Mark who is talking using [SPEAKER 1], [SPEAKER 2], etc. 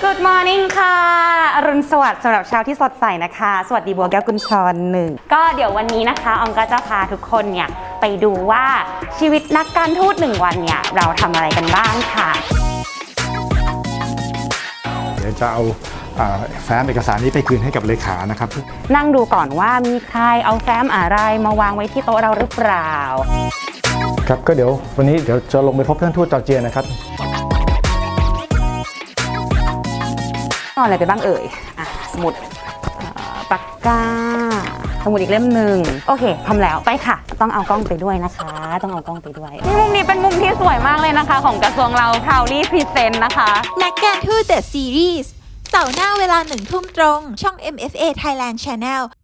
[SPEAKER 1] Good morning ค่ะอรุณสวัสดิ์สำหรับเช้าที่สดใสนะคะสวัสดีบัวแก้วกุญชรหนึ่งก็เดี๋ยววันนี้นะคะออมก็จะพาทุกคนเนี่ยไปดูว่าชีวิตนักการทูต1 วันเนี่ยเราทำอะไรกันบ้างค่ะ
[SPEAKER 2] เดี๋ยวจะเอาแฟ้มเอกสารนี้ไปคืนให้กับเลขานะครับ
[SPEAKER 1] นั่งดูก่อนว่ามีใครเอาแฟ้มอะไรมาวางไว้ที่โต๊ะเราหรือเปล่า
[SPEAKER 2] ครับก็เดี๋ยววันนี้เดี๋ยวจะลงไปพบท่านทูตจอร์เจียนะครับ
[SPEAKER 1] เอาอะไรไปบ้างเอ่ยสมุดปากกาสมุดอีกเล่มหนึ่งโอเคพร้อมแล้วไปค่ะต้องเอากล้องไปด้วยนะคะต้องเอากล้องไปด้วยมุมนี้เป็นมุมที่สวยมากเลยนะคะของกระทรวงเรา Proudly Present นะคะ
[SPEAKER 3] นักการทูต The Series เสาร์หน้าเวลา 1 ทุ่มตรงช่อง MFA Thailand Channel